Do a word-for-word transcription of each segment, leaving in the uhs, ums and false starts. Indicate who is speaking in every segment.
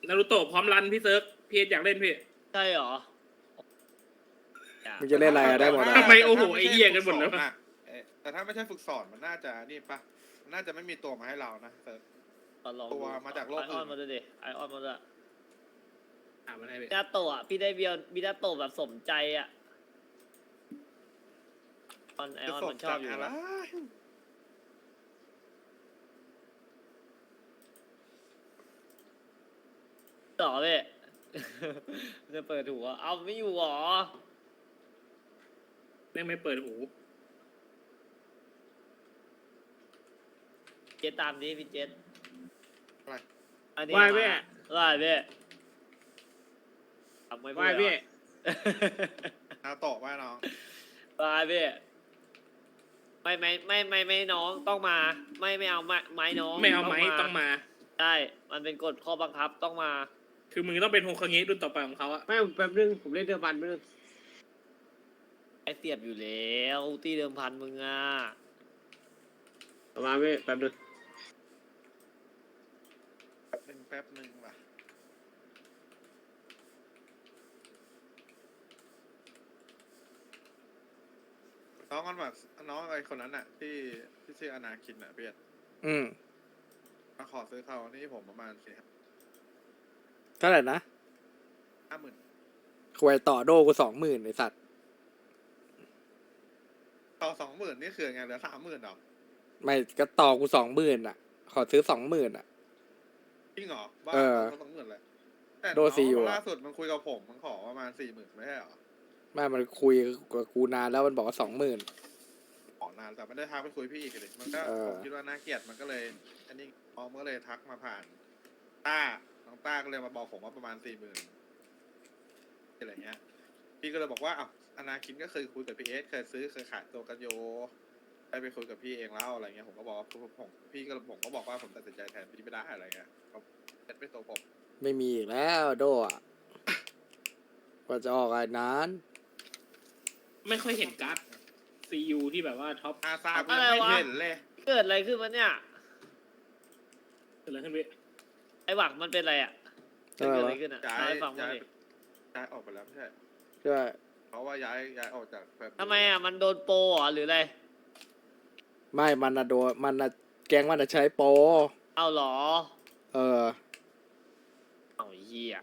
Speaker 1: นารูโตะพร้อมรันพี่เซิร์ฟพี่อยากเล่นพี่
Speaker 2: ใช่เหรอ
Speaker 3: มึงจะเล่นอะไรอะได้หมดอะ
Speaker 1: ทำไมโอ้โหไอ้เหี้ยกันหมดแล้ว
Speaker 4: แต่ถ้าไม่ใช่ฝึกสอนมันน่าจะนี่ปะมันน่าจะไม่มีตัวมาให้เรานะเซิร์ฟ ตัวมาจากโลก
Speaker 2: ไอออนมาด้วยดิไอออนมาด้วย
Speaker 1: อ่ามันให้พี่
Speaker 2: มินาโตะพี่ได้เบียร์มินาโตะแบบสมใจอ่ะออนไอออนมันชอบอยู่
Speaker 4: อะไร
Speaker 2: นะต่อเว้ยจะเปิดหัวเอาไม่อยู่หรอ
Speaker 1: แม่งไม่เปิดหู
Speaker 2: เจตตามนี้พี่เจต
Speaker 4: อะไร
Speaker 2: อันนี้
Speaker 1: ว่ายพี่
Speaker 2: ว่ายพี่ทำไม่
Speaker 1: ว่ายพี่
Speaker 4: นาโตะว่าน้อง
Speaker 2: ว่ายพี่ไม่ไม่ไม่ไม่ไม่น้องต้องมา ไม่ไม่เอาไม้ไม้น้อง
Speaker 1: ไม่เอาไม้ต้องมา
Speaker 2: ใช่มันเป็นกฎข้อบังคับต้องมา
Speaker 1: คือมึงต้องเป็นโฮคาเงะรุ่นต่อไปของเขาอะ
Speaker 5: ไม่แป๊บนึงผมเล่นเดือบันแป๊บนึง
Speaker 2: ไอเสียบอยู่แล้วตีเดิมพันมึงอ่ะ
Speaker 5: ประมาณไม่แป๊บนึง
Speaker 4: แป๊บหนึงแป๊บหนึงว่ะน้องกันแบบน้องไอ้คนนั้นน่ะที่ที่ชื่ออนาคินน่ะเบียด
Speaker 3: อืม
Speaker 4: มาขอซื้อเขานี่ผมประมาณสี่
Speaker 3: เท่าไหร่นะ
Speaker 4: ห้าหมื่น
Speaker 3: ควยต่อโดกูสองหมื่นไอสัตว์
Speaker 4: ต่อสองหมื่นนี่คือไงเหลือสามหมื่นหรอ
Speaker 3: ไม่ก็ต่อกูสองหมื่นอ่ะ ขอซื้อสองหมื่นอ่ะ
Speaker 4: จริงเหรอบ้า
Speaker 3: เออ
Speaker 4: สองหมื่นเลยแต่
Speaker 3: โดซีอยู่
Speaker 4: น้อง
Speaker 3: อะ
Speaker 4: ล่าสุดมันคุยกับผมมันขอประมาณสี่หมื่นไม่ใช่เหรอ
Speaker 3: แม่มันคุยกับกูนานแล้วมันบอกว่าสองหมื่น
Speaker 4: ขอนานแต่ไม่ได้ทักไปคุยพี่อีกเลยมันก็
Speaker 3: เออ
Speaker 4: ผมคิดว่าน่าเกลียดมันก็เลยอันนี้น้องก็เลยทักมาผ่านต้าน้องต้าก็เลยมาบอกผมว่าประมาณสี่หมื่นอะไรเงี้ยพี่ก็เลยบอกว่าอ้าวอนาคินก็เคยคุยกับพี่เอสเคยซื้อเคยขายตัวกันโยได้ไปคุยกับพี่เองแล้วอะไรเงี้ยผมก็บอกว่าผมพี่ก็ผมก็บอกว่าผมตัดสินใจแทนพี่ไม่ได้อะไรเงี้ยเขาเอสไม่ตัวผม
Speaker 3: ไม่มีอีกแล้วโดอ่ะกว่าจะออกไอ้นั้น
Speaker 1: ไม่ค่อยเห็นการ์ดซียูที่แบบว่าท็อป
Speaker 4: อาซาไม่เห็นเลย
Speaker 2: เกิดอะไรขึ้นวะเนี่ย
Speaker 1: เกิดอะไรขึ้นพี่
Speaker 2: ไอหวังมันเป็นอะไรอ่ะ
Speaker 3: ใช่ไหม
Speaker 2: เกิดอะไร
Speaker 3: วะ
Speaker 2: ขึ้นอ่ะ
Speaker 4: ย้าย
Speaker 2: เล่าให้ฟังมา
Speaker 4: ย้าย
Speaker 2: ดิ
Speaker 4: ย้ายออกไปแล้วไม่ใช่
Speaker 3: ใช่
Speaker 4: เพราะว่าย้ายย้ายออกจากแบบ
Speaker 2: ทำไมอ่ะมันโดนโปรเหรอหรืออะไร
Speaker 3: ไม่มันอะโดนมันอะแก๊งมันอะใช้โปร
Speaker 2: เอาเหรอ
Speaker 3: เออ
Speaker 2: เอาไอ้เหี้ย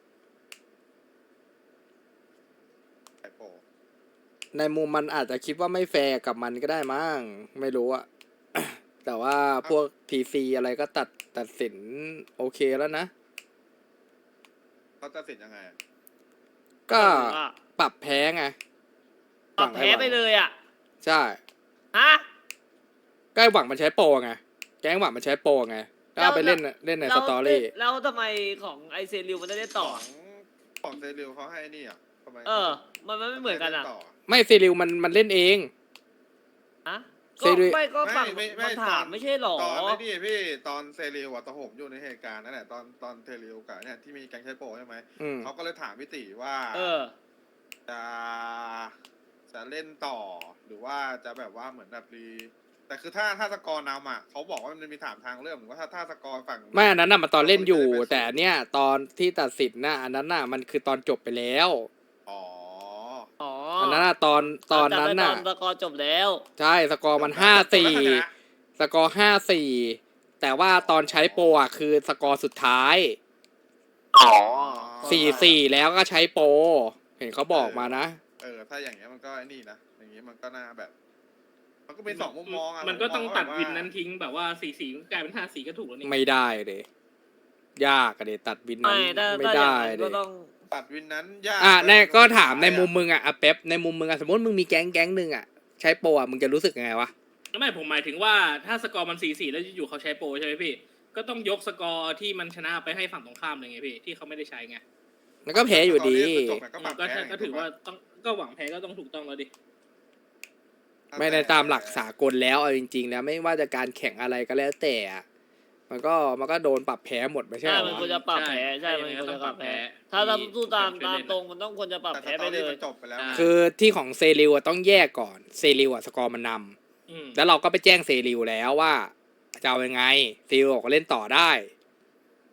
Speaker 4: ไอโป
Speaker 3: ในมุมมันอาจจะคิดว่าไม่แฟร์กับมันก็ได้มั้งไม่รู้อะ แต่ว่าพวกทีซีอะไรก็ตัดตัดสินโอเคแล้วนะ
Speaker 4: เขาตัดสินยังไงอะ
Speaker 3: ก็
Speaker 2: หรือว่า
Speaker 3: ปรับแพ้ไง
Speaker 2: ปรับแพ้ไปเลยอ่ะ
Speaker 3: ใช่
Speaker 2: ฮะ
Speaker 3: ใกล้หวังมันใช้โปรไงแก๊งหวังมันใช้โปรไงแล้วเอาไปเล่นเล่นในสตอรี่
Speaker 2: แล้วทำไมของไอเซริวมันได้เล่นต่อ
Speaker 4: ของของเซริลเขาให้นี่อ่ะทำไม
Speaker 2: เออ มันมันไม่เหมือนกันอ่ะ
Speaker 4: ต่
Speaker 3: ไม่ซีริวมันมันเล่นเอง
Speaker 2: ฮะ
Speaker 3: เซ
Speaker 2: ก็
Speaker 3: ริว
Speaker 2: ไม่ก็ฝั่ง
Speaker 4: ไม่ไม่
Speaker 2: มันถาม
Speaker 4: ตอน
Speaker 2: ไม่ใช่หรอ
Speaker 4: ตอนนี้นี่พี่ตอนเซริลอะตอนผมอยู่ในเหตุการณ์นั่นแหละตอนตอนเซริลกับเนี่ยที่มีแก๊งใช้โปรใช่ไหม
Speaker 3: อืม
Speaker 4: เขาก็เลยถามพี่ติว่า
Speaker 2: เออ
Speaker 4: จะจะเล่นต่อหรือว่าจะแบบว่าเหมือนแบบรีแต่คือถ้าถ้าสกอร์นำอ่ะเขาบอกว่ามันมีถามทางเรื่องหรือว่าถ้าถ้าสกอร์ฝั่ง
Speaker 3: ไม่อันนั้นน่ะมันตอนเล่นอยู่
Speaker 4: จะได้เป็น
Speaker 3: แต่เนี่ยตอนที่ตัดสินน่ะอันนั้นน่ะมันคือตอนจบไปแล้ว
Speaker 4: อ๋อ
Speaker 2: อ๋อ
Speaker 3: อันนั้นน่ะตอนตอนนั้นน่ะ
Speaker 2: ตอนตะกอร์จบแล้ว
Speaker 3: ใช่สกอร์มันห้าสี่สกอร์ห้าสี่แต่ว่าตอนใช้โปรอ่ะคือสกอร์สุดท้าย
Speaker 2: อ๋อ
Speaker 3: สี่สี่แล้วก็ใช้โปรเห็นเขาบอกมานะ
Speaker 4: เออถ้าอย่างเงี้ยมันก็ไอ้นี่นะอย่างเงี้ยมันก็น่าแบบ มันก็เป็นสองมุมมองอ่ะ
Speaker 1: มันก็ต้องตัด
Speaker 4: ผมม
Speaker 1: วิน
Speaker 4: ว่า
Speaker 1: นั้นทิ้งแบบว่าสีสีกลายเป็นห้าสีก็ถูกแล้วนี่
Speaker 3: ไม่ได้เลยยากอะเดตัดวินนั้
Speaker 2: ไม่
Speaker 3: น
Speaker 2: ถ้า
Speaker 3: ไม่
Speaker 2: ถ้าอย่า
Speaker 3: ได้
Speaker 2: งนั้น
Speaker 3: เล
Speaker 2: ก็
Speaker 3: ย
Speaker 2: ต้อง
Speaker 4: ตัดวินนั้นยาก
Speaker 3: อ่ะ
Speaker 4: เลย
Speaker 3: แน่ก็ถาม
Speaker 4: สุด
Speaker 3: ใน
Speaker 4: ท้ยอะ
Speaker 3: มุมมึงอ่ะอ่ะเป๊ปในมุมมึงอ่ะสมมติมึงมีแก๊งแก๊งหนึ่งอ่ะใช้โปรอ่ะมึงจะรู้สึกยังไงวะ
Speaker 1: ไม่ผมหมายถึงว่าถ้าสกอร์มันสี่สี่แล้วอยู่ๆเขาใช้โปรใช่ไหมพี่ก็ต้องยกสกอร์ที่มันชนะไปให้ฝั่งตรงข้ามเลยไงพี่ที่เขาไม่ได้ใช้ไง
Speaker 3: มันก็แพ้อยู่ดี
Speaker 4: จบไงก็ปรับ
Speaker 1: ก็
Speaker 4: แพ้
Speaker 1: ก็ถือว่าต้องก็หวังแพ้ก็ต้องถูกต้องแล้วดิ
Speaker 3: ไม่ในตามหลักสากลแล้วเอาจริงๆแล้วไม่ว่าจะการแข่งอะไรก็แล้วแต่อะมันก็มันก็โดนปรับแพ้หมดไม่ใช่
Speaker 2: ใช่
Speaker 3: เหร
Speaker 2: มัน
Speaker 3: อ
Speaker 2: ควรจะปรับแพ้ใช่
Speaker 1: ใช่
Speaker 2: มันควรจะปรับแพ้
Speaker 1: ต้
Speaker 2: ถ้า
Speaker 1: องปรับแพ้
Speaker 2: เราสู้ตาม
Speaker 1: ที่
Speaker 2: ตาม
Speaker 1: เล่น
Speaker 2: ตรงมันต้องควรจะปรับ
Speaker 4: แต่
Speaker 2: แพ้
Speaker 4: ส
Speaker 2: ไป
Speaker 4: ตอ
Speaker 2: เล
Speaker 4: รี่
Speaker 2: ย
Speaker 4: มันจบไปแล้วไง
Speaker 3: คือที่ของเซริวอะต้องแยกก่อนเซริวอะสกอร์มันน
Speaker 1: อืม
Speaker 3: ำแล้วเราก็ไปแจ้งเซริวแล้วว่าจะเอายังไงเซริวบอกว่าเล่นต่อได้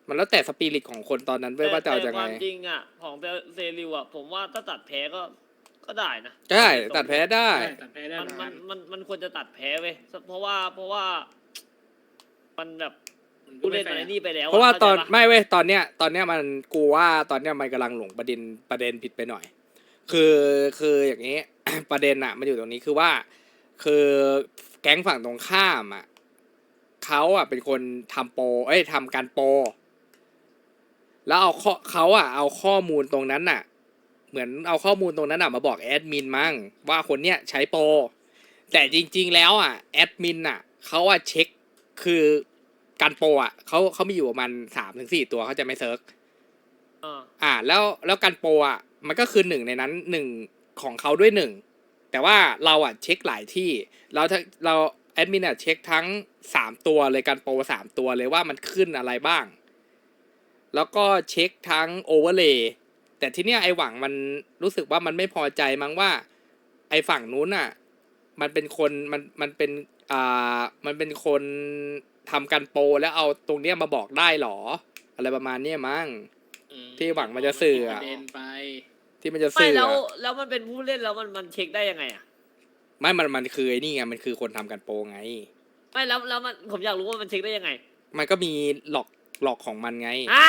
Speaker 3: มันแล้วแต่สปิริตของคนตอนนั้นเว้ยว่าจะเอา
Speaker 2: แต่
Speaker 3: ยัง
Speaker 2: ค
Speaker 3: ไง
Speaker 2: วามจริงอ่ะของเซริวอ่ะผมว่าถ้าตัดแพ้ก็ก็ได้นะ
Speaker 3: ได้ตัดแพ้ได้
Speaker 1: ใช่ตัดแพ้ได้
Speaker 2: มัน
Speaker 1: เหมือน
Speaker 2: มั
Speaker 1: กัน น
Speaker 2: มันมันควรจะตัดแพ้เว้ยเพราะว่าเพราะว่ามันแบบ
Speaker 1: มันก็
Speaker 2: ผู้
Speaker 1: ไม่
Speaker 2: เล่น
Speaker 1: แฟ
Speaker 2: มัน
Speaker 1: ร์
Speaker 2: ไอ้นี่ไปแล้ว
Speaker 3: เพราะว่าตอน
Speaker 2: ข้ใจป
Speaker 3: ไม่เว้ยตอนเนี้ยตอนเนี้ยมันกูว่าตอนเนี้ยมันกำลังหลงประเด็นประเด็นผิดไปหน่อย คือคืออย่างนี้ ประเด็นอะมันอยู่ตรงนี้คือว่า คือแก๊งฝั่งตรงข้ามอะเขาอะเป็นคนทำโปรเอ้ยทำการโปรแล้วเอาข้อเขาอะเอาข้อมูลตรงนั้นน่ะ เหมือนเอาข้อมูลตรงนั้นน่ะมาบอกแอดมินมั้งว่าคนเนี้ยใช้โปรแต่จริง ๆ แล้วอะแอดมินอะเขาอะเช็คคือการโปรอะเขาเขามีอยู่ประมาณสามถึงสี่ตัวเขาจะไม่เซิร์ช
Speaker 2: อ่า
Speaker 3: อ่าแล้วแล้วการโปรอ่ะมันก็คือหนึ่งในนั้นหนึ่งของเขาด้วยหนึ่งแต่ว่าเราอ่ะเช็คหลายที่เราถ้าเราแอดมินอ่ะเช็คทั้งสามตัวเลยการโปรสามตัวเลยว่ามันขึ้นอะไรบ้าง แล้วก็เช็คทั้งโอเวอร์เลย์แต่ที่เนี้ยไอหวังมันรู้สึกว่ามันไม่พอใจมั้งว่า ไอฝั่งนู้นอ่ะมันเป็นคนมันมันเป็นอ่ามันเป็นคนทำการโปรแล้วเอาตรงเนี้ยมาบอกได้หรอ อะไรประมาณเนี้ยมั้ง
Speaker 1: อืม
Speaker 3: ที่หวังมันจะสื่ออะ
Speaker 1: ประเด็นไป
Speaker 3: ที่มันจะ
Speaker 2: ไม่
Speaker 3: สื่อ
Speaker 2: แล้ว
Speaker 3: อะ
Speaker 2: แล้วมันเป็นผู้เล่นแล้วมันมันเช็คได้ยังไงอ่ะ
Speaker 3: ไม่มันมันคือไอ้นี่ไงมันคือคนทำกันโปรไง
Speaker 2: ไม่แล้วแล้วมันผมอยากรู้ว่ามันเช็คได้ยังไง
Speaker 3: มันก็มีหลอกหลอกของมันไง
Speaker 2: อ่ะ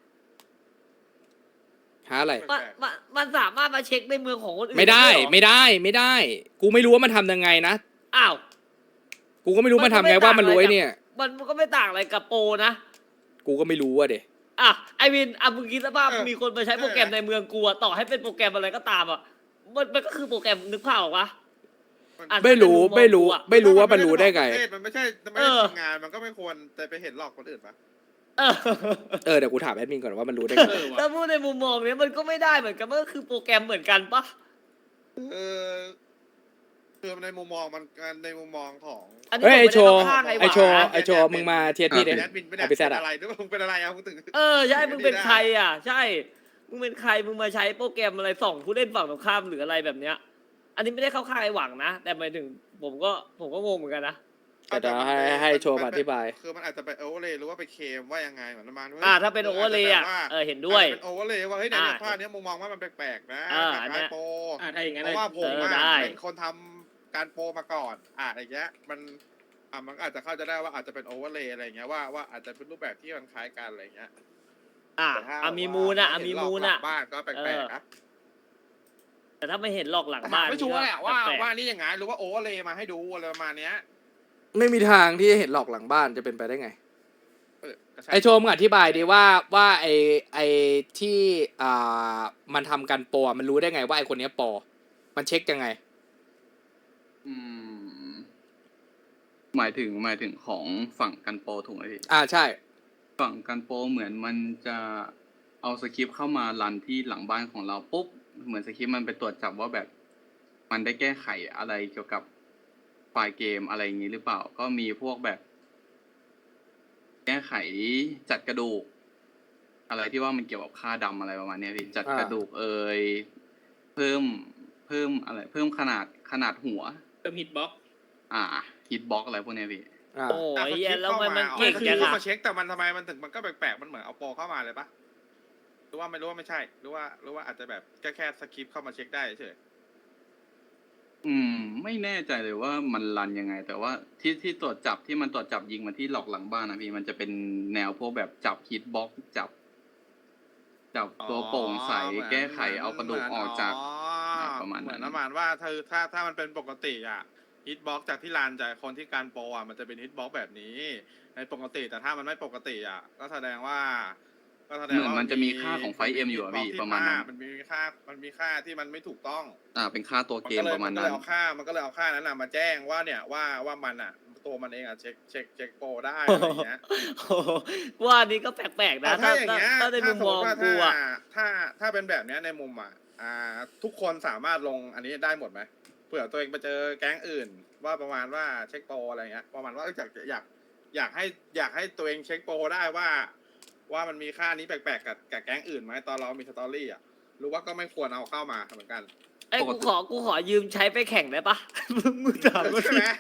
Speaker 3: หาอะไร
Speaker 2: มันมันมันสามารถมาเช็คในเมืองของคนอื่น
Speaker 3: ไม่ได้
Speaker 2: เหรอ
Speaker 3: ไม่ได้ไม่ได้ กูไม่รู้ว่ามันทำยังไงนะ
Speaker 2: อ้าว
Speaker 3: กูก็ไม่รู้มันทำไงว่ามันรู้ไอ้เนี่ย
Speaker 2: มันก็ไม่ต่างอะไรกับโปรนะ
Speaker 3: กูก็ไม่รู้อะเด็
Speaker 2: อ่ะไอวินอ่ะมึงคิดสภาพ
Speaker 4: เออ
Speaker 2: มีคนมาใช้โปรแกรมในเมืองกูอะต่อให้เป็นโปรแกรมอะไรก็ตามอ่ะมันมันก็คือโปรแกรมนึกภาพออกปะอ่ะ
Speaker 3: ไม่รู้
Speaker 2: ถ้าเป็นมุมมอง
Speaker 3: ไม่รู้
Speaker 2: กูอะ
Speaker 3: ไม่รู้ว่ามันรู้ได้ไง
Speaker 4: มันไม่ใช่มันไม่
Speaker 2: เอ
Speaker 4: ได้
Speaker 2: อ
Speaker 4: ทำงานมันก็ไม่ควรแต่ไปเห็นหลอกคนอื่นปะ
Speaker 2: เออ
Speaker 3: เออเดี๋ยวกูถามแอดมินก่อนว่ามันรู้ได้ไง
Speaker 1: เออว่ะ
Speaker 2: ถ้าพูดในมุมมองเนี้ยมันก็ไม่ได้เหมือนกันมันก็คือโปรแกรมเหมือนกันปะ
Speaker 4: เออคือในมุมมองมันในมุมมองของ
Speaker 2: อันนี้
Speaker 3: เฮ้ย
Speaker 2: ผม
Speaker 3: ไอ
Speaker 2: ไม่
Speaker 3: โช
Speaker 2: ได้
Speaker 3: ว์
Speaker 2: เข้าข้างไอ้ห
Speaker 3: ไอ
Speaker 2: วา
Speaker 3: โชว์
Speaker 2: นะ
Speaker 3: ไอโชว์มึงมาเทียบที่ดิ
Speaker 4: แอดมินไม่ได้
Speaker 3: เอาไปแซด
Speaker 4: เป็น
Speaker 3: อะ
Speaker 4: อะไรด้วยมึงเป็นอะไรอ่ะมึงถึง
Speaker 2: เออใช่มึงเป็นใครอ่ะ ใช่ มึงเป็นใครมึงมาใช้โปรแกรมอะไรส่องผู้เล่นฝั่งตรงข้ามหรืออะไรแบบเนี้ย อันนี้ไม่ได้เข้าข้างไอ้หวังนะ แต่หมายถึงผมก็ผมก็งงเหมือนกันนะ
Speaker 3: แต่เดี๋ยวให้ให้โชว์มาอธิบาย
Speaker 4: คือมันอาจจะไปโอเวอร์เลยหรือว่าไปเคลมว่ายังไงเหมือนประมาณว่า
Speaker 2: อ่าถ้าเป็นโอเวอร์เลยอ่ะเออเห็นด้วย
Speaker 4: เป็นโอเวอร์เลยว่าเฮ้ยในเนี่ย
Speaker 2: อ่า
Speaker 4: ภาพเนี้ยมุมมองว่ามันแปลกๆนะ
Speaker 2: อ่า
Speaker 4: ค
Speaker 2: อันเนี้
Speaker 4: ล้าย
Speaker 2: ย
Speaker 4: ๆโปร
Speaker 1: อ่าถ้าอย่างนั้น
Speaker 4: เพราะว่าผม
Speaker 2: เออ
Speaker 4: อะ
Speaker 2: ได้
Speaker 4: เป็นคนทำการโปรมาก่อน อ่าอย่างเงี้ยมันอ่ามันก็อาจจะเข้าใจได้ว่าอาจจะเป็นโอเวอร์เลยอะไรเงี้ยว่าว่าอาจจะเป็นรูปแบบที่มันคล้ายกันอะไรเงี้ย
Speaker 2: อ่ะ
Speaker 4: แต่ถ้า
Speaker 2: อ่ะมีมูลอ่ะอ่ะ
Speaker 4: เห็
Speaker 2: มี
Speaker 4: หลอก
Speaker 2: มูล
Speaker 4: หลั
Speaker 2: อ่ะ
Speaker 4: งบ้านก็แปลกๆนะ
Speaker 2: แต่ถ้าไม่เห็นหลอกหลัง
Speaker 4: แต่
Speaker 2: บ้าน
Speaker 4: ไม่ชัวร์แหละว่า
Speaker 2: แปลกๆ
Speaker 4: ว่านี่ยังไงหรือว่าโอเวอร์เลยมาให้ดูอะไรประมาณเนี้ย
Speaker 3: ไม่มีทางที่จะเห็นหลอกหลังบ้านจะเป็นไปได้ไง
Speaker 4: เออก็ใช่
Speaker 3: ไอโชว์มึงอธิบายดีว่าว่าไอไอที่อ่ามันทำกันโปรอะมันรู้ได้ไงว่าไอคนเนี้ยโปรมันเช็คยังไง
Speaker 6: อืมหมายถึงหมายถึงของฝั่งกันโปรถูกไหมพี่
Speaker 3: อ่าใช่
Speaker 6: ฝั่งกันโปรเหมือนมันจะเอาสคริปต์เข้ามารันที่หลังบ้านของเราปุ๊บเหมือนสคริปต์มันไปตรวจจับว่าแบบ มันได้แก้ไขอะไรเกี่ยวกับไฟล์เกมอะไรอย่างนี้หรือเปล่า ก็มีพวกแบบ แก้ไขจัดกระดูก อะไรที่ว่ามันเกี่ยวกับค่าดำอะไรประมาณเนี้ยพี่จัด
Speaker 3: อ่า
Speaker 6: กระดูกเอ่ยเพิ่มเพิ่มอะไร เพิ่มขนาดขนาดหัว
Speaker 1: เติมฮิตบ็อก
Speaker 6: อ่าฮิตบ็อกอะไรพวกเนี้ยพี่
Speaker 3: อ่า
Speaker 2: โอ้
Speaker 4: แต่
Speaker 2: ย
Speaker 4: สค
Speaker 2: เหี้ย
Speaker 4: ริปต์
Speaker 2: แล้วมันมัน
Speaker 4: ข้าา
Speaker 2: เก่ง
Speaker 4: คือ
Speaker 2: จัง
Speaker 4: เข้า
Speaker 2: อะ
Speaker 4: มาเช็คแต่มันทำไมมันถึงมันก็แปลกๆมันเหมือนเอาโปรเข้ามาเลยปะหรือว่าไม่รู้ว่าไม่ใช่หรือว่าหรือว่าอาจจะแบบแค่แค่สคริปต์เข้ามาเช็คได้เฉย
Speaker 6: อืม ไม่แน่ใจเลยว่ามันรันยังไง แต่ว่าที่ที่ตรวจจับที่มันตรวจจับยิงมาที่หลอกหลังบ้านนะพี่มันจะเป็นแนวพวกแบบจับฮิตบ็อกจับ จับตัวโปร่งใส
Speaker 4: อ๋อเหมือน
Speaker 6: แก้ไขเอากระดูกออกจาก
Speaker 4: อ๋อ
Speaker 6: ประมาณนั้น
Speaker 4: เหมือนประมาณว่าถ้าถ้าถ้ามันเป็นปกติอ่ะฮิตบ็อกจากที่ลานจากคนที่การโปรอ่ะมันจะเป็นฮิตบ็อกแบบนี้ ในปกติแต่ถ้ามันไม่ปกติอ่ะ ก็แสดงว่า ก็แสดง
Speaker 6: เหมือน
Speaker 4: ว่า
Speaker 6: มันจะมีค่าของไฟเอ็มอยู่อะพี่
Speaker 4: hitbox ที่
Speaker 6: ประมาณนั้น
Speaker 4: มันมีค่ามันมีค่าที่มันไม่ถูกต้อง
Speaker 6: อ่า เป็นค่าตัว
Speaker 4: มัน
Speaker 6: เก
Speaker 4: ก็
Speaker 6: ม
Speaker 4: เลย
Speaker 6: ประมา
Speaker 4: มั
Speaker 6: ณ
Speaker 4: นก็
Speaker 6: นั้
Speaker 4: เล
Speaker 6: น
Speaker 4: ยเอาค่ามันก็เลยเอาค่านั้นน่ะมาแจ้งว่าเนี่ยว่าว่ามันอ่ะตัวมันเองอ่ะเช็คเช็คเช็คโปรได้อะไรอย่างเงี้ย
Speaker 2: โอ้โหว่าอันนี้ก็แปลกๆนะ
Speaker 4: แต่ถ้าอย่างเงี้ย
Speaker 2: ถ้าในมุมมอง
Speaker 4: ถ้าส
Speaker 2: กู
Speaker 4: ติว่า
Speaker 2: อ่ะ
Speaker 4: ถ้าถ้าถ้าเป็นแบบเนี้ยในมุมอ่ะอ่า ทุกคนสามารถลงอันนี้ได้หมดไหมเผื่อตัวเองไปเจอแก๊งอื่น ว่าประมาณว่าเช็คโปรอะไรเงี้ยประมาณว่าเอ้ยอยากอยากอยากให้อยากให้ตัวเองเช็คโปรได้ว่า ว่ามันมีค่านี้แปลกๆกับกับแก๊งอื่นไหมตอนเรามีสตอรี่อ่ะหรือว่าก็ไม่ควรเอาเข้ามาเหมือนกัน
Speaker 2: ไอ้ย
Speaker 6: ปก
Speaker 2: กู
Speaker 6: ติ
Speaker 2: ขอกูขอยืมใช้ไปแข่งได้ปะ มึงมึงถามกู
Speaker 4: ใช่
Speaker 2: สิ
Speaker 4: ไหม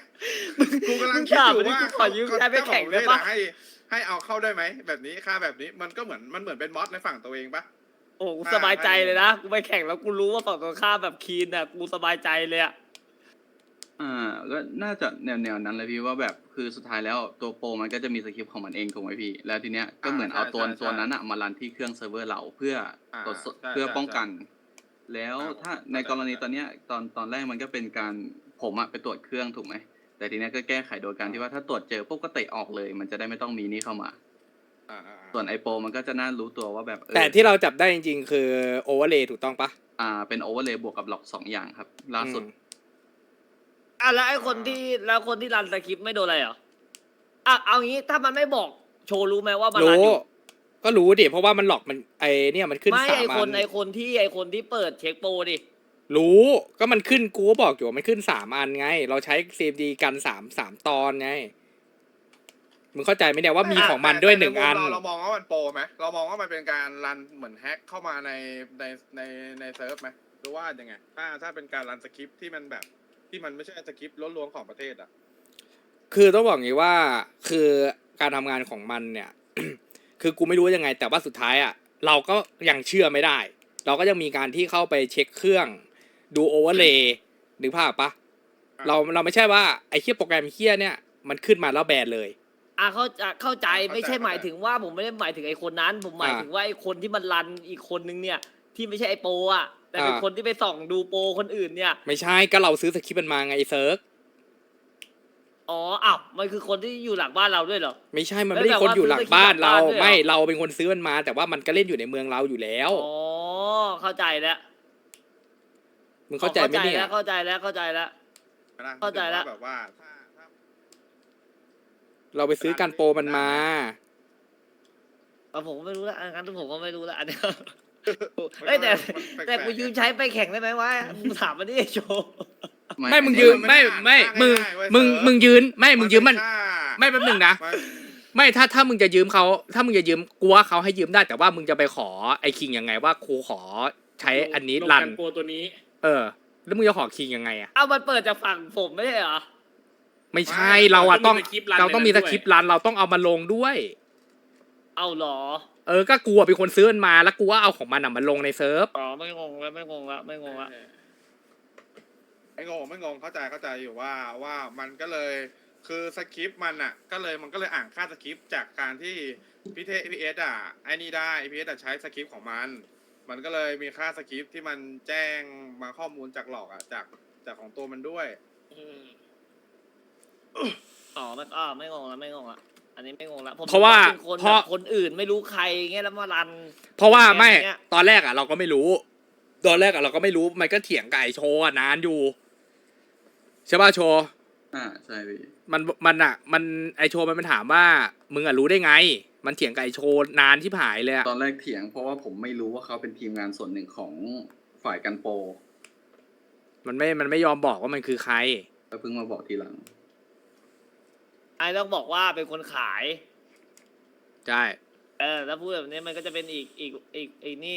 Speaker 4: กูกำลัง
Speaker 2: มึง
Speaker 4: คิด
Speaker 2: ถาม
Speaker 4: อยู่
Speaker 2: ดิ
Speaker 4: ว่า
Speaker 2: กูขอยืมใช้ไปแข่งได้ปะ
Speaker 4: ให้ให้เอาเข้าได้ไหมแบบนี้ค่าแบบนี้มันก็เหมือนมันเหมือนเป็นมอสในฝั่งตัวเองปะ
Speaker 2: โอ้กูสบายใจเลยนะกูไปแข่งแล้วกูรู้ว่าฝั่งตรงข้ามแบบคีนอ่ะกูสบายใจเลยอ่ะ
Speaker 6: อ่าก็น่าจะแนวแนวนั้นเลยพี่ว่าแบบคือสุดท้ายแล้วตัวโปรมันก็จะมีสคริปต์ของมันเองถูกไหมพี่ แล้วทีเนี้ยก็เหมือนเอาตัวตัวนั้นอะมารันที่เครื่องเซิร์ฟเวอร์เราเพื่อตรวจสอบเพื่อป้องกัน แล้วถ้าในกรณีตอนเนี้ยตอนตอนแรกมันก็เป็นการผมอะไปตรวจเครื่องถูกไหมแต่ทีเนี้ยก็แก้ไขโดยการที่ว่าถ้าตรวจเจอปุ๊บก็เตะออกเลย มันจะได้ไม่ต้องมีนี่เข้ามา
Speaker 4: อ่าอ่า
Speaker 6: ส่วนไอโปรมันก็จะน่ารู้ตัวว่าแบบเออ
Speaker 3: แต่ที่เราจับได้จริงๆ คือโอเวอร์เลย์ถูกต้องปะ
Speaker 6: อ่าเป็นโอเวอร์เลย์บวกกับหลอกสองอย่างครับล่าสุด
Speaker 3: อืม
Speaker 2: อ่ะแล้วไอ้คนที่แล้วคนที่รันสคริปต์ไม่โดนอะไรเหรออ่ะเอางี้ถ้ามันไม่บอกโชว์รู้ไหมว่ามันรัน
Speaker 3: รู้
Speaker 2: อยู่
Speaker 3: ก็รู้ดิเพราะว่ามันหลอกมันไอเนี่ยมันขึ้น
Speaker 2: ไม่
Speaker 3: สาม
Speaker 2: ไอ
Speaker 3: อั
Speaker 2: คน
Speaker 3: น
Speaker 2: ไอคนที่ไอคนที่เปิดเช็คโปรดิ
Speaker 3: รู้ก็มันขึ้นกูก็บอกอยู่ว่ามันขึ้นสามอันไง เราใช้ซีดีกันสามสามตอนไงมึงเข้าใจไหมเนี่ยว่ามีของมันด้วยหนึ่งอัน
Speaker 4: เราเรามองว่ามันโปรไหมเรามองว่ามันเป็นการรันเหมือนแฮ็กเข้ามาในในในในเซิร์ฟไหมหรือว่ายังไงถ้าถ้าเป็นการรันสคริปต์ที่มันแบบที่มันไม่ใช่สคริปต์ล้วนๆของประเทศอ่ะ
Speaker 3: คือต้องบอกงี้ว่าคือการทำงานของมันเนี่ย คือกูไม่รู้ยังไง แต่ว่าสุดท้ายอ่ะเราก็ยังเชื่อไม่ได้ เราก็ยังมีการที่เข้าไปเช็คเครื่องดูโอเวอร์เลย์นึกภาพปะเราเราไม่ใช่ว่าไอ้เคียโปรแกรมเคียเนี่ยมันขึ้นมาแล้วแบนเลย
Speaker 2: อ่ะเข้าใจเข้าใจ
Speaker 4: เข้าใจ
Speaker 2: ไม่ใช่
Speaker 4: เข้าใจ
Speaker 2: หมายถึงว่าผมไม่ได้หมายถึงไอคนนั้น ผมหมาย
Speaker 3: อ่า
Speaker 2: ถึงว่าไอคนที่มันรันอีกคนนึงเนี่ย ที่ไม่ใช่ไอโปรอ่ะแต่เป็น
Speaker 3: อ่า
Speaker 2: คนที่ไปส่องดูโปรคนอื่นเนี่ย
Speaker 3: ไม่ใช่ก็เราซื้อสคริปต์มันมาไงไอ้เซิร์ก
Speaker 2: อ๋ออ้าวมันคือคนที่อยู่หลังบ้านเราด้วยเหรอ
Speaker 3: ไม่ใช่มัน
Speaker 2: แล้ว
Speaker 3: ไม่ได้
Speaker 2: แบบ
Speaker 3: คน
Speaker 2: ว่า
Speaker 3: อยู่หลังบ้าน
Speaker 2: ซื้อสคริปต์หลัง
Speaker 3: เรา
Speaker 2: บ้านด้วยเหรอ
Speaker 3: ไม่เราเป็นคนซื้อมันมา แต่ว่ามันก็เล่นอยู่ในเมืองเราอยู่แล้ว
Speaker 2: อ๋อเข้าใจแล้ว
Speaker 3: มึงเข้าใจไหมเนี่ย
Speaker 2: แล้วเข้าใจแล้วเข้าใจแล้ว
Speaker 4: นะ
Speaker 2: เข้าใจแล้ว
Speaker 4: แบบว่าถ้าถ้า
Speaker 3: เราไปซื้อกันโปรมันมา
Speaker 2: อ่ะผมก็ไม่รู้ละอันนั้นผมก็ไม่รู้ละอันเนี้ย
Speaker 4: มัน
Speaker 2: เอ้ยแต่
Speaker 4: มันปลกๆ
Speaker 2: แต่กูยืมใช้ไปแข่งได้ไหมวะมึงถามมาดิโชว์
Speaker 3: ไม่มึงยืมไม่ไม่มึงมึงมึงยืนไม่มึงยืมมัน
Speaker 4: ค่า
Speaker 3: ไม่แป๊บหนึงนะ
Speaker 4: มัน
Speaker 3: ไม่ถ้าถ้ามึงจะยืมเขาถ้ามึงจะยืมกูว่าเขาให้ยืมได้ แต่ว่ามึงจะไปขอไอ้คิงยังไงว่าครูขอใช้อันนี้
Speaker 1: ลง
Speaker 3: รัน
Speaker 1: กันโปรตัวนี้
Speaker 3: เออ แล้วมึงจะขอคิงยังไงอะ
Speaker 2: เอามันเปิดจากฝั่งผมไม่ใช่เหรอ
Speaker 3: ไม่ใช่เราอะต้อง
Speaker 1: ต้องมีสคริปต์รัน
Speaker 3: เราต้องมี
Speaker 1: ใน
Speaker 3: ส
Speaker 1: นั้นด้วย
Speaker 3: คริปต์รันเราต้องเอามาลงด้วย
Speaker 2: เอาเหรอ
Speaker 3: เออก็กูอะเป็นคนซื้อมันมาแล้วกูว่าเอาของมันอะมาลงในเซิร์ฟ
Speaker 2: อ๋อไม่งงแล้วไม่งงละไม่งงละ
Speaker 4: ไม่งงไม่งงเข้าใจเข้าใจอยู่ว่าว่ามันก็เลยคือสคริปต์มันอ่ะ ก็เลยมันก็เลยอ่านค่าสคริปต์จากการที่พี่เทพีเอสอ่ะไอ้นี่ได้พีเอสอ่ะใช้สคริปต์ของมัน มันก็เลยมีค่าสคริปต์ที่มันแจ้งมาข้อมูลจากหลอกอ่ะจากจากของตัวมันด้วย
Speaker 1: อืม
Speaker 2: อ๋อไม่อ๋อไม่งงละไม่งงละอันนี้ไม่งงละผม
Speaker 3: เพราะว่า
Speaker 2: เป็นคน
Speaker 3: เพราะ
Speaker 2: แบบคนอื่นไม่รู้ใครเงี้ยแล้วมารัน
Speaker 3: เพราะว่าไม่
Speaker 2: แบบเนี้ย
Speaker 3: ตอนแรกอะเราก็ไม่รู้ ตอนแรกอะเราก็ไม่รู้มันก็เถียงกับไอโชว์อะนานอยู่ใช่ป่ะโชว์
Speaker 6: อ่าใช่พี่
Speaker 3: มันมันอะมันไอโชว์มันมันถามว่ามึงอะรู้ได้ไง มันเถียงกับไอโชว์นานที่ผายเลยอะ
Speaker 6: ตอนแรกเถียงเพราะว่าผมไม่รู้ว่าเขาเป็นทีมงานส่วนหนึ่งของฝ่ายกันโปร
Speaker 3: มันไม่มันไม่ยอมบอกว่ามันคือใคร
Speaker 6: แล้วเพิ่งมาบอกทีหลัง
Speaker 2: ไอ้ต้องบอกว่าเป็นคนขาย
Speaker 3: ใช่
Speaker 2: เออแล้วพูดแบบนี้มันก็จะเป็นอีกอีกอีกอีกนี่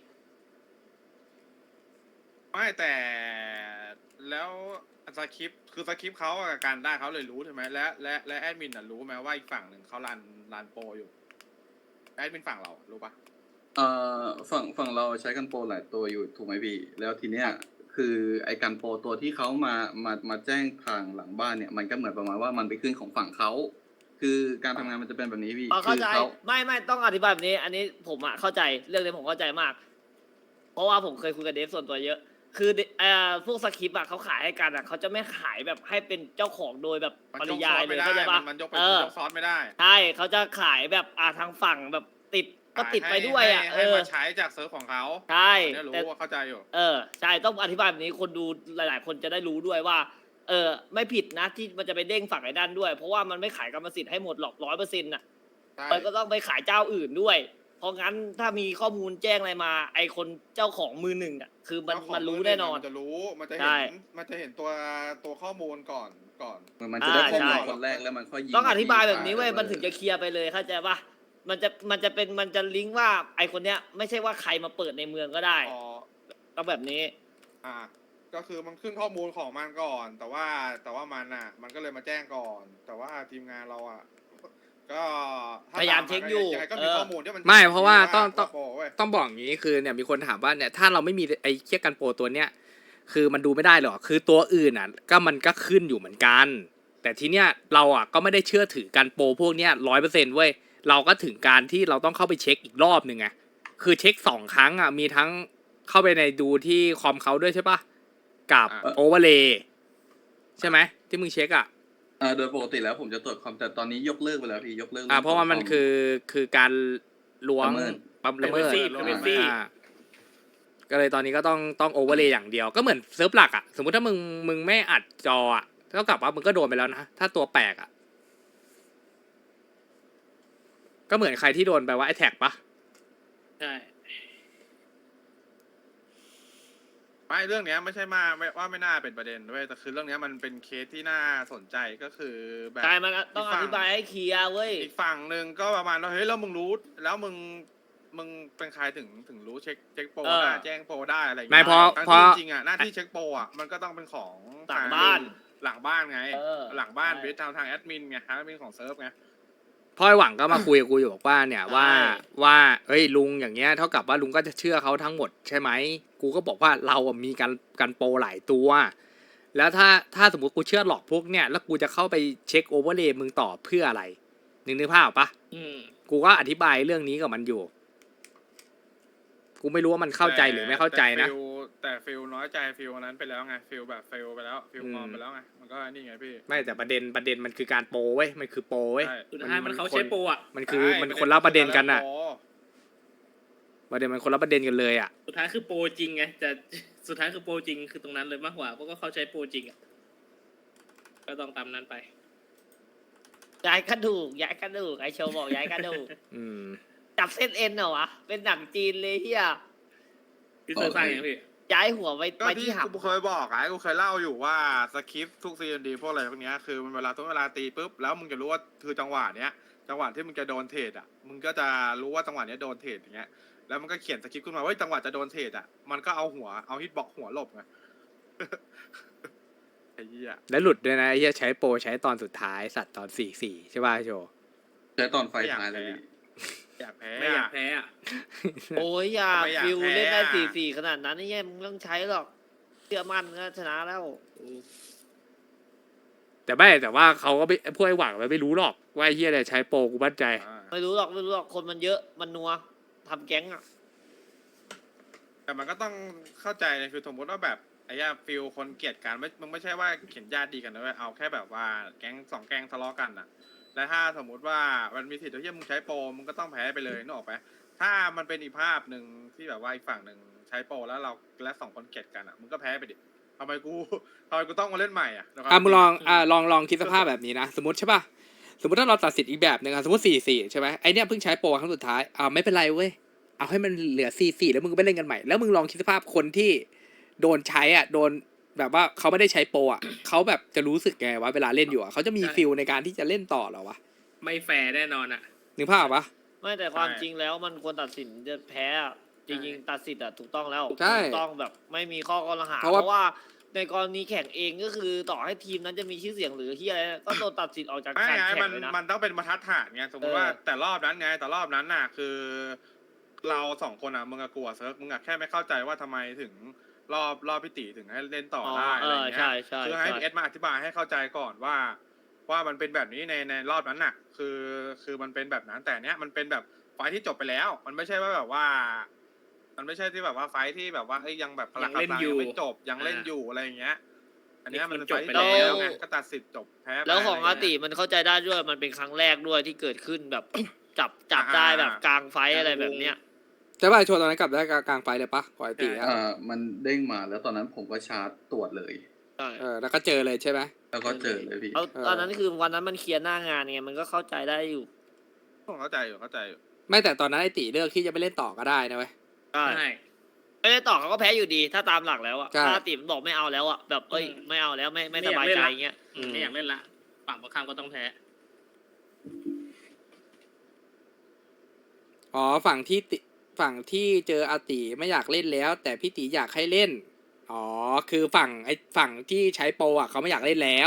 Speaker 4: ไม่แต่แล้วสคริปต์คือสคริปต์เขาอะการได้เขาเลยรู้ใช่ไหมและและและแอดมินอ่ะรู้ไหมว่าอีกฝั่งหนึ่งเขารันรันโปรอยู่แอดมินฝั่งเรารู้ปะ
Speaker 6: เอ่อฝั่งฝั่งเราใช้กันโปรหลายตัวอยู่ถูกไหมพี่ แล้วทีเนี้ยคือไอ้กันโปรตัวที่เขามามามาแจ้งทางหลังบ้านเนี่ยมันก็เหมือนประมาณว่ามันไปขึ้นของฝั่งเขาคือการทำงานมันจะเป็นแบบนี้พี่
Speaker 2: อ๋อ
Speaker 6: คื
Speaker 2: เข้า
Speaker 6: อ
Speaker 2: ใจ
Speaker 6: เขา
Speaker 2: ไม่ไม่ต้องอธิบายแบบนี้ อันนี้ผมอะเข้าใจเรื่องนี้ผมเข้าใจมาก เพราะว่าผมเคยคุยกับเดฟส่วนตัวเยอะ คือเอ่อพวกสคริปต์อะเขาขายให้กันอะเขาจะไม่ขายแบบให้เป็นเจ้าของโดยแบบ
Speaker 4: มัน
Speaker 2: ป
Speaker 4: ย
Speaker 2: ริ
Speaker 4: กซ
Speaker 2: ยา
Speaker 4: อย ส
Speaker 2: เล
Speaker 4: ไม่
Speaker 2: ย
Speaker 4: ได้
Speaker 2: เข้าใจปะ
Speaker 4: มันยกไป
Speaker 2: เออ
Speaker 4: ยกซอสไม่ได้
Speaker 2: ใช่เขาจะขายแบบอ่าทางฝั่งแบบติดก็ติดไปด้วยอะ
Speaker 4: ให้
Speaker 2: เอ
Speaker 4: ให้
Speaker 2: อ
Speaker 4: มาใช้จากเซิร์ฟของเขา
Speaker 2: ใช่
Speaker 4: อันเนี่ยรู้
Speaker 2: แต่
Speaker 4: ว่าเข้าใจอยู่
Speaker 2: เออใช่ต้องอธิบายแบบนี้คนดูหลาย ๆ คนจะได้รู้ด้วยว่า เออไม่ผิดนะที่มันจะไปเด้งฝั่งไอ้ด้านด้วย เพราะว่ามันไม่ขายกรรมสิทธิ์ให้หมดหรอกร้อยเปอร์เซ็นต์น่ะ
Speaker 4: ใช่
Speaker 2: มันก็ต้องไปขายเจ้าอื่นด้วย เพราะงั้นถ้ามีข้อมูลแจ้งอะไรมา ไอคนเจ้าของมือหนึ่งอ่ะคือมัน
Speaker 4: เจ้าของ
Speaker 2: มันรู้
Speaker 4: มื
Speaker 2: แน่นอน
Speaker 4: มันจะรู้มันจะ
Speaker 2: ใช่
Speaker 4: เห็นมันจะเห็นตัวตัวข้อมูลก่อนก่อน
Speaker 6: เหมือนมันจะได้ข้อมูล
Speaker 2: อ่าใช่
Speaker 6: คนแรกแล้วมันค่อยยิง
Speaker 2: ต้องอธิบายแบบนี้เว้ย
Speaker 6: ไป
Speaker 2: มันถึงจะเคลียร์ไปเลยเข้าใจปะมันจะมันจะเป็นมันจะลิงก์ว่าไอคนเนี้ยไม่ใช่ว่าใครมาเปิดในเมืองก็ได้
Speaker 4: อ๋อ
Speaker 2: ต้องแบบนี้
Speaker 4: อ่าก็คือมันขึ้นข้อมูลของมันก่อน แต่ว่าแต่ว่ามันอ่ะ มันก็เลยมาแจ้งก่อน แต่ว่าทีมงานเราอ่ะ ก็ถ้
Speaker 2: พยายามเช็คอยู่
Speaker 4: ยังไงก็มี
Speaker 2: เออ
Speaker 4: ข้อมูลที่มัน
Speaker 3: ไม่เพราะว่าต้องต้อง
Speaker 4: โปรเว้ย
Speaker 3: ต้องบอกอย่างนี้คือเนี่ยมีคนถามว่าเนี่ยถ้าเราไม่มีไอ้เคียกันโปรตัวเนี้ยคือมันดูไม่ได้หรอกคือตัวอื่นอ่ะก็มันก็ขึ้นอยู่เหมือนกัน แต่ทีเนี้ยเราอ่ะก็ไม่ได้เชื่อถือกันโปรพวกเนี้ยร้อยเปอร์เซ็นต์เว้ยเราก็ถึงการที่เราต้องเข้าไปเช็คอีกรอบหนึ่งไงคือเช็คสองครั้งอ่ะมีทั้งเข้าไปในดูที่คอมเขาด้วยใช่ปะกับ
Speaker 4: อ่า
Speaker 3: โอเวอร์เลย์ใช่ไหมที่มึงเช็คอ่ะ
Speaker 6: อ่าโดยปกติแล้วผมจะตรวจคอมแต่ตอนนี้ยกเลิกไปแล้วพี่ยกเลิก
Speaker 3: อ่าเพราะว่ามันคือคือการล้วง
Speaker 6: ละเมิด
Speaker 3: ปั๊มละเมิด
Speaker 1: privacy privacy
Speaker 3: อ่าก็เลยตอนนี้ก็ต้องต้องโอเวอร์เลย์อย่างเดียวก็เหมือนเซิร์ฟหลักอ่ะสมมติถ้ามึงมึงไม่อัดจออ่ะเท่ากับว่ามึงก็โดนไปแล้วนะถ้าตัวแปลกอ่ะก็เหมือนใครที่โดนไปว่าไอแท็กปะ
Speaker 1: ใช่
Speaker 4: ไม่เรื่องเนี้ยไม่ใช่มาไม่ว่าไม่น่าเป็นประเด็นด้วยแต่คือเรื่องเนี้ยมันเป็นเคสที่น่าสนใจก็คือแบบ
Speaker 2: ใช่มันต้องอธิบายให้เคลียร์เว้ย
Speaker 4: อีกฝั่งหนึ่งก็ประมาณว่าเฮ้ยแล้วมึงรู้แล้วมึงมึงเป็นใครถึงถึงรู้เช็คเช็คโปร
Speaker 2: เออ
Speaker 4: ได้แจ้งโปรได้อะไรอย่าง
Speaker 3: ไม่
Speaker 4: เงี้ย
Speaker 3: เพราะ
Speaker 4: ทั้ง
Speaker 3: เพราะ
Speaker 4: ที่จริงๆอ่ะหน้าที่เช็คโปรอ่ะมันก็ต้องเป็นของ
Speaker 2: หลังบ้าน
Speaker 4: หลังบ้านไง
Speaker 2: เออ
Speaker 4: หลังบ้าน
Speaker 2: ใช่
Speaker 4: เบสทางทางแอดมินไงทางแอดมินของเซิร์ฟไง
Speaker 3: พ่อไอหวังก็มาคุยกับกูอยู่บอกว่าเนี่ย
Speaker 2: ใช่
Speaker 3: ว่าว่าเอ้ยลุงอย่างเงี้ยเท่ากับว่าลุงก็จะเชื่อเขาทั้งหมดใช่ไหมกูก็บอกว่าเราอะมีการการโปรหลายตัว แล้วถ้าถ้าสมมติกูเชื่อหลอกพวกเนี่ยแล้วกูจะเข้าไปเช็คโอเวอร์เลย์มึงต่อเพื่ออะไรนึกนึกภาพออกปะ
Speaker 1: อืม
Speaker 3: กูก็อธิบายเรื่องนี้กับมันอยู่ กูไม่รู้ว่ามันเข้าใจหรือไม่เข้าใจนะ
Speaker 4: แต่ฟิลแต่ฟิลน้อยใจฟิลนั้นไปแล้วไงฟิลแบบฟิลไปแล้วฟิล
Speaker 3: อืม
Speaker 4: งอมไปแล้วไงมันก็นี่ไงพี่
Speaker 3: ไม่แต่ประเด็นประเด็นมันคือการโปรเว้ยมันคือโปรเว้ย
Speaker 4: ใช่
Speaker 1: สุดท้ายมันเขาใช้โปรอ่ะ
Speaker 3: มันคือ
Speaker 4: ใช่
Speaker 3: มันคนละประเด็นกันอะ
Speaker 4: โ
Speaker 3: ประเด็นมันคนละประเด็นกันเลยอะ
Speaker 1: สุดท้ายคือโปรจริงไงแต่ สุดท้ายคือโปรจริงคือตรงนั้นเลยมากกว่าเพราะก็เขาใช้โปรจริงอ่ะก็ต้องตามนั้นไป
Speaker 2: ย้ายกระดูกย้ายกระดูกไอโชว์บอกย้ายกระดูก
Speaker 3: อืม
Speaker 2: จับเส้นเอ็นเหรอวะเป็นหนังจีนเลยเฮีย
Speaker 1: พี่เซอร์สร้างยังพี่
Speaker 2: ย้ายหัวไป
Speaker 4: ก็
Speaker 2: ไป
Speaker 4: ที่
Speaker 2: ที่หับ
Speaker 4: กูเคยบอกไอ้กูเคยเล่าอยู่ว่าสคริปต์ทุกซีนดีพวกอะไรพวกเนี้ยคือมันเวลาทุกเวลาตีปุ๊บแล้วมึงจะรู้ว่าคือจังหวะเนี้ยจังหวะที่มึงจะโดนเทรดอ่ะมึงก็จะรู้ว่าจังหวะเนี้ยโดนเทรดอย่างเงี้ยแล้วมันก็เขียนสคริปต์ขึ้นมาว่าจังหวะจะโดนเทรดอ่ะมันก็เอาหัวเอาฮิตบ็อกหัวหลบไง ไอ้เหี้ย
Speaker 3: แล้วหลุดด้วยนะไอ้เหี้ยใช้โปรใช้ตอนสุดท้ายสัตว์ตอนสี่สี่ใช่ป่ะโจ
Speaker 6: ใช้ตอนไฟท้ายเลยพี่
Speaker 4: อยากแพ้
Speaker 1: ไม่อยาก
Speaker 4: อะ
Speaker 1: แพ้อ่ะ
Speaker 2: โอ้ยอย่า
Speaker 4: ไม่อยาก
Speaker 2: ฟิว
Speaker 4: แพ้
Speaker 2: เล่นได้
Speaker 4: อะ
Speaker 2: สี่สี่ขนาดนั้นนี่แย่มึงต้องใช้หรอกเชื่อมั่นก็ชนะแล้ว
Speaker 3: แต่ไม่แต่ว่าเขาก็ไม่พวกไอ้หวังมันไม่รู้หรอกว่าไอ้เหี้ยอะไรใช้โปรกูมั่นใจ
Speaker 4: อ่า
Speaker 2: ไม่รู้หรอกไม่รู้หรอกคนมันเยอะมันนัวทำแก๊งอ่ะ
Speaker 4: แต่มันก็ต้องเข้าใจนะคือสมมติว่าแบบไอ้ยาฟิลคนเกลียดกันไม่มึงไม่ใช่ว่าเขียนญาติดีกันนะเว้ยเอาแค่แบบว่าแก๊งสองแก๊งทะเลาะกันอ่ะ และถ้าสมมุติว่ามันมีสิทธิ์ที่มึงใช้โปรมึงก็ต้องแพ้ไปเลยนึกออกไหมถ้ามันเป็นอีกภาพหนึ่งที่แบบว่าอีกฝั่งหนึ่งใช้โปรแล้วเราและสองคนเกลียดกันอ่ะมึงก็แพ้ไปดิทำไมกูทำไมกูต้องมาเล่นใหม่อ่ะนะครับ
Speaker 3: อ่ะมึงลองอ่ะลองลองคิดสภาพแบบนี้นะ สมมติใช่ป่ะสมมติถ้าเราตัดสินอีกแบบหนึ่งอ่ะสมมติสี่สี่ใช่ไหมไอเนี้ยเพิ่งใช้โปรครั้งสุดท้ายอ่าไม่เป็นไรเว้ยเอาให้มันเหลือสี่สี่แล้วมึงก็ไปเล่นกันใหม่แล้วมึงลองคิดสภาพคนที่โดนใช้อ่ะโดนแบบว่าเขาไม่ได้ใช้โปรอ่ะเขาแบบจะรู้สึกไงวะเวลาเล่นอยู่อ่ะเขาจะมีฟิลในการที่จะเล่นต่อเหรอวะ
Speaker 1: ไม่แฟร์แน่นอนอ่ะ
Speaker 3: นึกภาพปะ
Speaker 2: ไม่แต่ความจริงแล้วมันควรตัดสินจะแพ้อะจริงๆตัดสินอ่ะถูกต้องแล้ว
Speaker 3: ใช่
Speaker 2: ถูกต้องแบบไม่มีข้อกล่าวหา
Speaker 3: เพ
Speaker 2: เพ
Speaker 3: ราะว่า
Speaker 2: ราะว่าในกรณีแข่งเองก็คือต่อให้ทีมนั้นจะมีชื่อเสียงหรือที่อะไรก็โดนตัดสินออกจาก
Speaker 4: ไม่
Speaker 2: การ
Speaker 4: ไง
Speaker 2: แข่ง
Speaker 4: มัน
Speaker 2: เลยนะ
Speaker 4: มันต้องเป็นบรรทัดฐานไงสมมติว่า
Speaker 2: เออ
Speaker 4: แต่รอบนั้นไงแต่รอบนั้นน่ะคือ เราสองคนอ่ะมึงอะกลัวเซิร์ฟมึงอะแค่ไม่เข้าใจว่าทำไมถึงรอบรอบพิติถึงให้เล่นต่อได้
Speaker 2: เอ
Speaker 4: อะไร
Speaker 2: อ
Speaker 4: อย่างเงี้
Speaker 2: ใช่
Speaker 4: ย
Speaker 2: ใช่
Speaker 4: คือให้
Speaker 2: ใช่
Speaker 4: เอสมาอธิบายให้เข้าใจก่อนว่า ว่ามันเป็นแบบนี้ในในรอบนั้นน่ะ คือคือมันเป็นแบบนั้นแต่เนี้ยมันเป็นแบบไฟท์ที่จบไปแล้ว มันไม่ใช่ว่าแบบว่า มันไม่ใช่ที่แบบว่าไฟท์ที่แบบว่าเอ้ยยังแบบพลัง
Speaker 1: ยังเล่น
Speaker 4: กำลัง
Speaker 1: อยู่
Speaker 4: ยังไม่จบยังเล่น
Speaker 1: อ่า
Speaker 4: อยู่อะไรอย่างเงี้ย อันเนี้ยมัน
Speaker 1: นี่
Speaker 4: เป็น
Speaker 1: มัน
Speaker 4: ไฟ
Speaker 1: จบ
Speaker 4: ท์ที่
Speaker 1: ไป
Speaker 4: จบ
Speaker 1: แล้ว
Speaker 4: ไปแล้วไงก็ตัดสิทธิ์จบแพ้ไป
Speaker 2: แล้วของ
Speaker 4: ะไร
Speaker 2: อา
Speaker 4: ย่
Speaker 2: ติ
Speaker 4: เงี้ย
Speaker 2: มันเข้าใจได้ด้วยมันเป็นครั้งแรกด้วยที่เกิดขึ้นแบบ จับจับได้แบบกลางไฟท์อะไรแบบเนี้ย
Speaker 3: ใช่ป่ะชวนตอนนั้นกลับได้กลางไฟเลยปะปกติอ่ะ
Speaker 6: อ่ามันเด้งมาแล้วตอนนั้นผมก็ชาร์จตรวจเลย
Speaker 2: ใช่
Speaker 3: เออแล้วก็เจอเลยใช่ไหม
Speaker 6: แล้วก็เจอเลยพี่
Speaker 2: เอา
Speaker 3: เออ
Speaker 2: ตอนนั้นคือวันนั้นมันเคลียร์หน้างานไงมันก็เข้าใจได้อยู่
Speaker 4: ผมเข้าใจอยู่เข้าใจอยู่
Speaker 3: ไม่แต่ตอนนั้นไอติเลือกที่จะไม่เล่นต่อก็ได้นะเว้ย
Speaker 2: ใช่
Speaker 1: ใช่
Speaker 2: ไม่ได้ต่อเขาก็แพ้อยู่ดี ถ้าตามหลักแล้วอะ
Speaker 3: ใช่
Speaker 2: ถ้าติมนบอกไม่เอาแล้วอะแบบเอ้ย
Speaker 1: อืม
Speaker 2: ไม่เอาแล้วไม่ไม่
Speaker 1: ไม่
Speaker 2: ส
Speaker 1: อยาก
Speaker 2: บาย
Speaker 1: เล่น
Speaker 2: ใจ
Speaker 1: ละ
Speaker 2: อย่างเงี้ย
Speaker 1: อืมไม่อยากเล่นละฝั่งตรงข้ามก็ต้องแพ้
Speaker 3: อ๋อฝั่งที่ติฝั่งที่เจออาติไม่อยากเล่นแล้ว แต่พี่ติอยากให้เล่นอ๋อคือฝั่งไอ้ฝั่งที่ใช้โปรอ่ะเขาไม่อยากเล่นแล้ว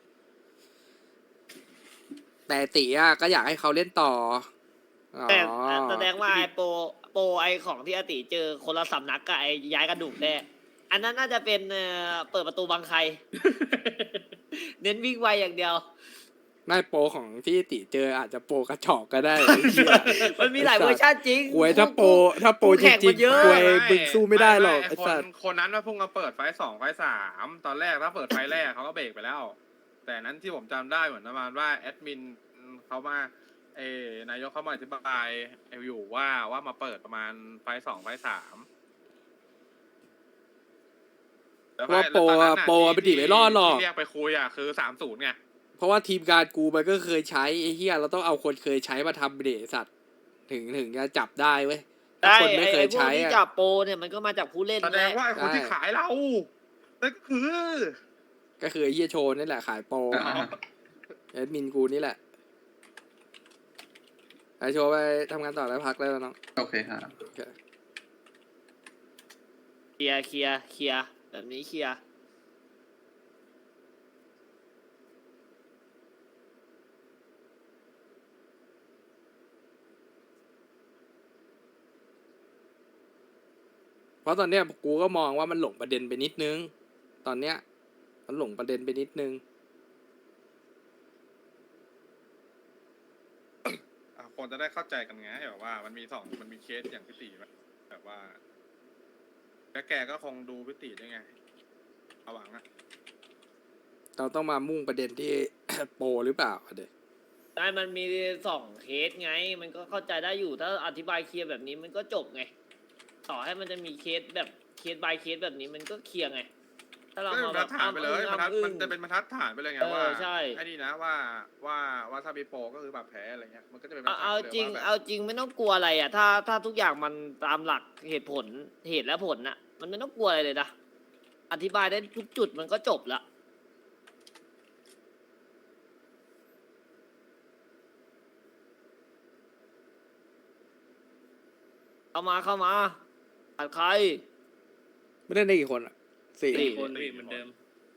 Speaker 3: แต่ตีอ่ะก็อยากให้เขาเล่นต่ออ๋อ
Speaker 2: แต่แสดงว่าไอโปรโปรไอของที่อาติเจอคนละสำนักกับไอย้ายกระดูกแน่อันนั้นน่าจะเป็นเอ่อเปิดประตูบังใคร เน้นวิ่งไวอย่างเดียว
Speaker 3: ไม่โปรของที่ติเจออาจจะโปรกระจอกก็ได้ ไอ้เหี้ย
Speaker 2: มันมีหลายเวอร์ชันจริง
Speaker 3: หวยถ้าโปรถ้าโปร
Speaker 2: คู่
Speaker 3: จ
Speaker 2: แข่ง
Speaker 3: ริ
Speaker 2: มั
Speaker 3: ง
Speaker 2: นเยอะ
Speaker 3: ๆหวยมึงสู้ไม่ได้หรอกไอ้
Speaker 4: คน
Speaker 3: สัตว์
Speaker 4: คนนั้นว่าพุ่งมาเปิดไฟสองไฟสามตอนแรกถ้าเปิดไฟแรกเขาก็เบรกไปแล้ว แต่นั้นที่ผมจำได้เหมือนประมาณว่าแอดมินเขามาเออนายกเขามาอธิบายอยู่ว่าว่ามาเปิดประมาณไฟสองไฟสาม
Speaker 3: ว่าโปรอะโปรอะไปดิไม่รอดหรอก
Speaker 4: ที่เรียกไปคุยอ่ะคือสามศูนย์ไง
Speaker 3: เพราะว่าทีมงานกูมันก็เคยใช้ไอ้เหี้ยเราต้องเอาคนเคยใช้มาทำเดสัตว์ถึงถึงจะจับได้เว้ยถ้า
Speaker 2: ได้
Speaker 3: คนไม่
Speaker 2: ไอ
Speaker 3: เค
Speaker 2: ไอย พวก
Speaker 3: ใช้
Speaker 2: ที่
Speaker 3: อะ
Speaker 2: จับโปรเนี่ยมันก็มาจากผู้เล่น
Speaker 4: แสดงว่าไอ้คน
Speaker 3: ใช่
Speaker 4: ที่ขายเรานั่นก็คือ
Speaker 3: ก็คือไอ้เหี้ยโชว์นี่แหละขายโปร
Speaker 6: อ่า
Speaker 3: แอดมินกูนี่แหละไอโชว์ไปทำงานต่อแล้วพักแล้วน้อง
Speaker 6: โอเคครับ
Speaker 3: โอเค
Speaker 2: เคลียร์เคลียร์เคลียร์แบบนี้เคลียร์
Speaker 3: เพราะตอนเนี้ยกูก็มองว่ามันหลงประเด็นไปนิดนึง ตอนเนี้ยมันหลงประเด็นไปนิดนึง
Speaker 4: อ่ะคนจะได้เข้าใจกันไงแบบว่ามันมีสองมันมีเคสอย่างพิติแบบว่าแล้วแกก็คงดูพิติด้วยไงเอาหวังอะ
Speaker 3: เราต้องมามุ่งประเด็นที่ โปรหรือเปล่าเด็ก
Speaker 2: ได้มันมีสองเคสไง มันก็เข้าใจได้อยู่ถ้าอธิบายเคลียร์แบบนี้มันก็จบไง ต่อให้มันจะมีเคสแบบเคส by เคสแบบนี้มันก็เคลียร์ไง ถ้าเรา
Speaker 4: ก็
Speaker 2: มา
Speaker 4: บร
Speaker 2: แบ
Speaker 4: ร
Speaker 2: บ
Speaker 4: ทัดฐานไปเลยบรรทัด
Speaker 2: อ้ำอึ้ง
Speaker 4: มันจะเป็นบรรทัดฐานไปเลยไง
Speaker 2: เออ
Speaker 4: ว่า
Speaker 2: ใช่
Speaker 4: ไอ้นี่นะว่าว่าว่าถ้ามีโปรก็คือแบบแพ้อะไรเงี้ยมันก็จะเป็นบรร
Speaker 2: เอา
Speaker 4: ทัด
Speaker 2: เอา
Speaker 4: ไปเลย
Speaker 2: จริง
Speaker 4: ว่าแบบ
Speaker 2: เอาจริงไม่ต้องกลัวอะไรอ่ะ ถ้าถ้าทุกอย่างมันตามหลักเหตุผลเหตุและผลน่ะ มันไม่ต้องกลัวอะไรเลยนะ อธิบายได้ทุกจุดมันก็จบละเข้ามาเข้ามาตัดใคร
Speaker 3: ไม่ได้ได้กี่คนอ่ะสี่
Speaker 2: สี่
Speaker 1: คนพี่เหมือนเดิม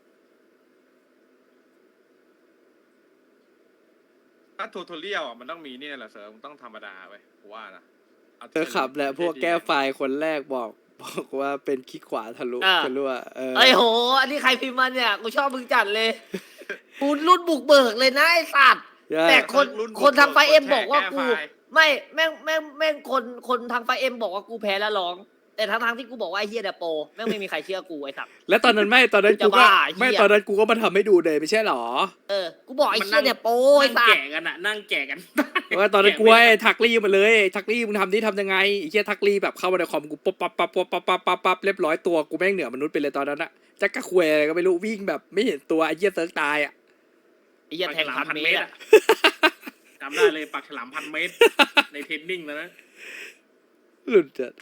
Speaker 4: ถ้าทูทอเรียลอ่ะมันต้องมีนี่แหละเสริมต้องธรรมดาไปกูว่านะา
Speaker 3: เธอขับแหละพวกแก้ไฟล์คนแรกบอก บอกว่าเป็นคลิกขวาทะลุ
Speaker 2: อ่า
Speaker 3: ทะลุอะเออ
Speaker 2: เอ้ยโห อันนี้ใครพิมพ์มาเนี่ย กูชอบมึงจัดเลย กูรุ่นบุกเบิกเลยนะไอ้สัตว์
Speaker 3: ใช่
Speaker 2: แต่คน
Speaker 4: รุ่น
Speaker 2: คนทางไฟเอ็ม
Speaker 4: คนแชร์
Speaker 2: บอกว่า
Speaker 4: แก้
Speaker 2: กู
Speaker 4: ไฟล์
Speaker 2: ไม่แม่งแม่งแม่งคนคนทางไฟเอ็มบอกว่ากูแพ้แล้วร้อง แต่ทั้งทางๆที่กูบอกว่าไอ้เฮียเดโปแม่งไม่มีใครเชื่อกูไอ้สัตว์
Speaker 3: แล้วตอนนั้นไม่ตอนนั้น
Speaker 2: จะ
Speaker 3: กูก็
Speaker 2: บ้า
Speaker 3: ไม่
Speaker 2: เหี้ย
Speaker 3: ตอนนั้นกูก็มาทำให้ดูเลยไม่ใช่หรอ
Speaker 2: เออ กูบอกไอ้
Speaker 1: มัน
Speaker 2: เฮียเดโปไอ้
Speaker 1: นั่ง
Speaker 2: สัต
Speaker 1: แกะ
Speaker 2: ว์
Speaker 1: กันอะนั่งแกะกัน
Speaker 3: ว่าตอนนั้นกู
Speaker 1: แะ
Speaker 3: ให้
Speaker 1: ไม่ได้
Speaker 3: ทักลี่มาเลยทักลี่มึงทำนี่ทำยังไงไอ้เหี้ยทักลี่แบบเข้ามาในคอมกูปั๊บปั๊บปั๊บปั๊บปั๊บปั๊บปั๊บปั๊บเรียบร้อยตัวกูแม่งเหนือมนุษย์ไปเลยตอนนั้นอะจักกะควยอะไรก็ไม่รู้วิ่งแบบไม่เห็นตัวไอ้เหี้ยเซิร์กตายอะ
Speaker 2: ไอ้เฮียแทงพันเมตรอะ
Speaker 1: จำได้เลยปักฉลามพันเมตร ในเทรนนิ่งแล้วนะ
Speaker 3: หลุดจัด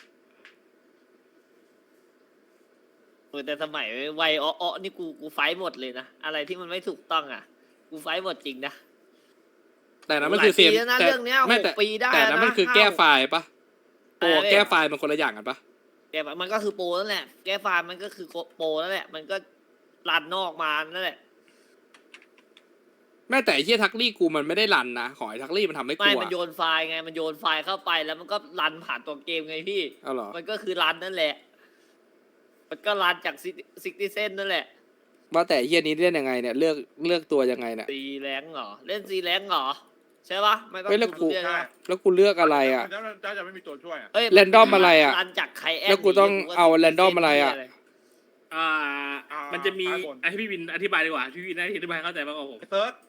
Speaker 2: เออแต่สมัยวัยอ้อๆนี่กูกูไฟท์หมดเลยนะ อะไรที่มันไม่ถูกต้องอ่ะ กูไฟท์หมดจริงนะ
Speaker 3: แต่นั้นมันคือ
Speaker 2: หลายปี
Speaker 3: เสีย
Speaker 2: แล้วนะ
Speaker 3: แต่
Speaker 2: เรื่องเนี้ย
Speaker 3: ไม่
Speaker 2: หก
Speaker 3: แต่
Speaker 2: ปีได้
Speaker 3: แต่นั้น
Speaker 2: นะ
Speaker 3: มันคือ
Speaker 2: ห้า
Speaker 3: แก้ไฟล์ปะโปร
Speaker 2: อะไรเนี่ย
Speaker 3: แก้ไฟล์มันคนละอย่างกันปะ
Speaker 2: แกมันก็คือโปรนั่นแหละ แก้ไฟล์มันก็คือโปรนั่นแหละ มันก็รันนอกมานั่นแหละ
Speaker 3: แม่แต่ไอ้เหี้ยทักลี่กูมันไม่ได้รันนะของไอ้ทักลี่มันทำให้
Speaker 2: ไม่
Speaker 3: กู
Speaker 2: มัน
Speaker 3: อะ
Speaker 2: โยนไฟล์ไง มันโยนไฟล์เข้าไปแล้วมันก็รันผ่านตัวเกมไงพี่
Speaker 3: เอาเหรอ
Speaker 2: มันก็คือรันนั่นแหละ มันก็รันจากซิกตี้เซนนั่นแหละ
Speaker 3: ว่าแต่ไอ้เหี้ยนี้เล่นยังไงเนี่ยเลือกเลือกตัวยังไงเนี่ย
Speaker 2: ซีแรงเหรอ เล่นซีแรงเหรอ ใช่ปะไม่ต้อง
Speaker 3: เฮ้ยแล้ว
Speaker 2: ดู
Speaker 3: กู
Speaker 2: เรื่องนะ
Speaker 3: แล้วกูเลือกอะไรอะ
Speaker 4: เจ้าเจ้าจะไม่มีตัวช่วยอ่ะ
Speaker 2: เอ้ย
Speaker 3: Random อะไรอะ
Speaker 2: รันจากใครแอน
Speaker 3: แล้วกูต้องเอา Random อะไรอะ
Speaker 1: อ่า มันจะมีอ่ะให้พี่วินอธิบายดีกว่า พี่วินน่าจะอธิบายเข้าใจมากกว่าผม
Speaker 4: เซิร์ช